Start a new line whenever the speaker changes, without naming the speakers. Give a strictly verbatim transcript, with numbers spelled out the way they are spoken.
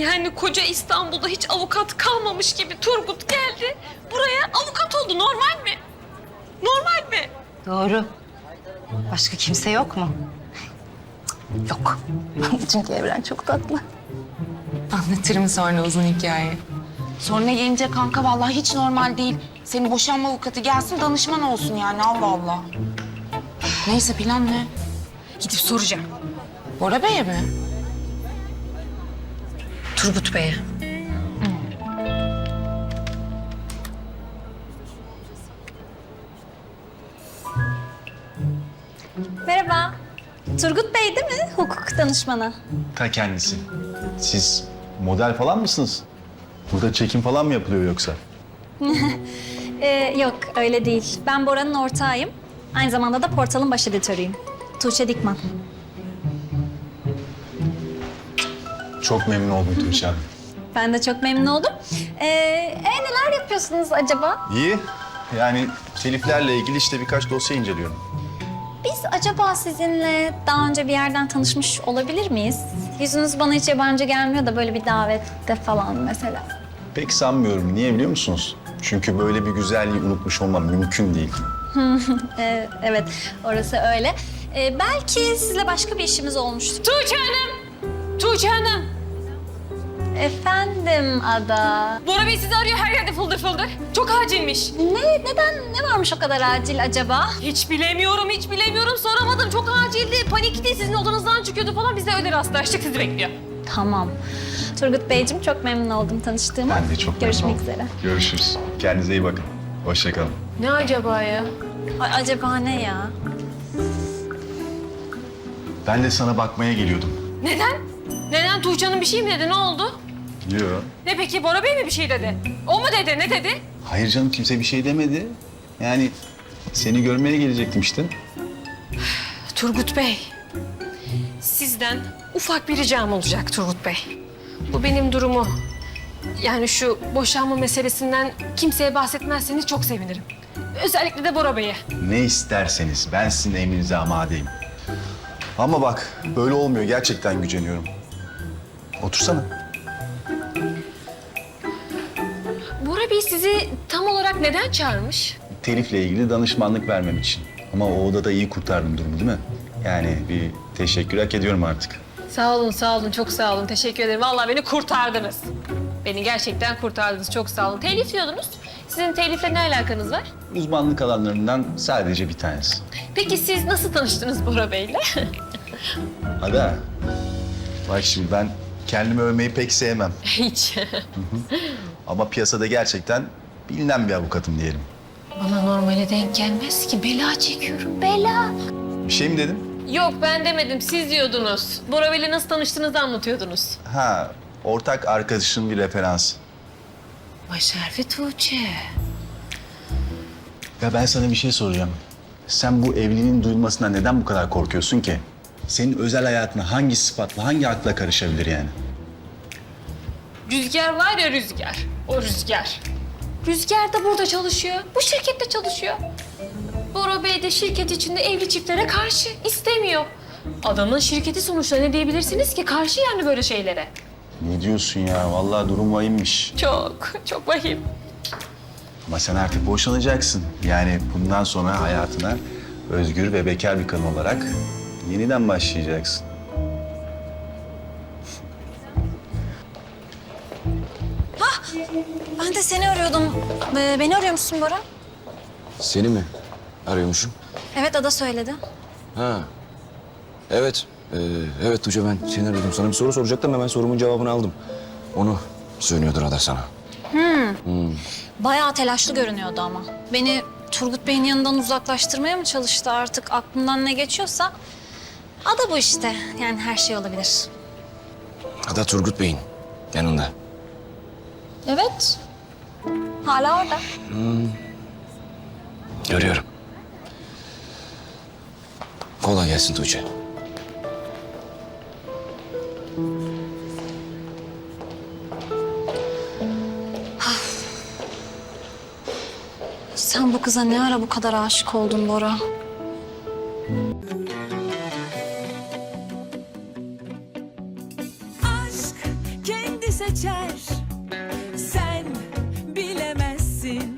Yani koca İstanbul'da hiç avukat kalmamış gibi Turgut geldi. Buraya avukat oldu. Normal mi? Normal mi?
Doğru. Başka kimse yok mu? Yok. Çünkü Evren çok tatlı.
Anlatırım sonra uzun hikaye.
Sonra gelince kanka vallahi hiç normal değil. Senin boşanma avukatı gelsin danışman olsun yani Allah Allah. Neyse plan ne?
Gidip soracağım.
Bora Bey'e mi?
Turgut Bey'e.
Merhaba. Turgut Bey değil mi? Hukuk danışmanı.
Ta kendisi. Siz model falan mısınız? Burada çekim falan mı yapılıyor yoksa?
Ee, yok öyle değil. Ben Bora'nın ortağıyım. Aynı zamanda da portalın baş editörüyüm. Tuğçe Dikman.
Çok memnun oldum Tuğçe Hanım.
Ben de çok memnun oldum. Ee, e, neler yapıyorsunuz acaba?
İyi. Yani teliflerle ilgili işte birkaç dosya inceliyorum.
Biz acaba sizinle daha önce bir yerden tanışmış olabilir miyiz? Yüzünüz bana hiç yabancı gelmiyor da böyle bir davette falan mesela.
Pek sanmıyorum. Niye biliyor musunuz? Çünkü böyle bir güzelliği unutmuş olmam mümkün değil.
Ee, evet, orası öyle. Ee, belki sizle başka bir işimiz olmuştur.
Tuğçe Hanım! Tuğçe Hanım!
Efendim Ada.
Bora Bey sizi arıyor her yerde fıldır fıldır. Çok acilmiş.
Ne, neden, ne varmış o kadar acil acaba?
Hiç bilemiyorum, hiç bilemiyorum. Soramadım. Çok acildi. Panikti. Sizin odanızdan çıkıyordu falan. Biz de öyle rastlaştık. Sizi bekliyor.
Tamam. Turgut Beyciğim çok memnun oldum tanıştığıma.
Ben de çok
Görüşmek
memnun oldum.
üzere.
Görüşürüz. Kendinize iyi bakın. Hoşça kalın.
Ne acaba ya?
Ay, acaba ne ya?
Ben de sana bakmaya geliyordum.
Neden? Neden? Tuğçe Hanım bir şey mi dedi? Ne oldu?
Yok.
Ne peki? Bora Bey mi bir şey dedi? O mu dedi? Ne dedi?
Hayır canım kimse bir şey demedi. Yani seni görmeye gelecektim işte.
Turgut Bey, sizden ufak bir ricam olacak Turgut Bey. Bu benim durumu. Yani şu boşanma meselesinden kimseye bahsetmezseniz çok sevinirim. Özellikle de Bora Bey'e.
Ne isterseniz ben sizin emrinize amadeyim. Ama bak böyle olmuyor. Gerçekten güceniyorum. Otursana.
Bora Bey sizi tam olarak neden çağırmış?
Telifle ilgili danışmanlık vermem için. Ama o odada iyi kurtardım durumu değil mi? Yani bir teşekkür hak ediyorum artık.
Sağ olun, sağ olun. Çok sağ olun. Teşekkür ederim. Vallahi beni kurtardınız. Beni gerçekten kurtardınız. Çok sağ olun. Telif diyordunuz. Sizin telifle ne alakanız var?
Uzmanlık alanlarından sadece bir tanesi.
Peki siz nasıl tanıştınız Bora Bey'le?
Ada, bak şimdi ben kendimi övmeyi pek sevmem.
Hiç.
Ama piyasada gerçekten bilinen bir avukatım diyelim.
Bana normale denk gelmez ki. Bela çekiyorum. Bela.
Bir şey mi dedim?
Yok ben demedim. Siz diyordunuz. Bora Bey'le nasıl tanıştığınızı anlatıyordunuz.
Ha, ortak arkadaşın bir referans.
Başarfi Tuğçe.
Ya ben sana bir şey soracağım. Sen bu evliliğin duyulmasından neden bu kadar korkuyorsun ki? Senin özel hayatına hangi sıfatla, hangi akla karışabilir yani?
Rüzgar var ya Rüzgar. O Rüzgar. Rüzgar da burada çalışıyor. Bu şirkette çalışıyor. Bora Bey de şirket içinde evli çiftlere karşı istemiyor. Adamın şirketi sonuçta ne diyebilirsiniz ki? Karşı yani böyle şeylere.
Ne diyorsun ya? Vallahi durum vahimmiş.
Çok, çok vahim.
Ama sen artık boşanacaksın. Yani bundan sonra hayatına özgür ve bekar bir kadın olarak yeniden başlayacaksın.
Ben de seni arıyordum. Ee, beni arıyor musun Bora?
Seni mi arıyormuşum?
Evet, Ada söyledi.
Ha. Evet. Ee, evet Tuğçe ben seni aradım. Sana bir soru soracaktım hemen sorumun cevabını aldım. Onu söylüyordur Ada sana.
Bayağı telaşlı görünüyordu ama. Beni Turgut Bey'in yanından uzaklaştırmaya mı çalıştı artık aklından ne geçiyorsa? Ada bu işte. Yani her şey olabilir.
Ada Turgut Bey'in yanında.
Evet. Hala orada.
Görüyorum. Kolay gelsin Tuğçe.
Sen bu kıza ne ara bu kadar aşık oldun Bora?
Aşk kendi seçer. Sen bilemezsin.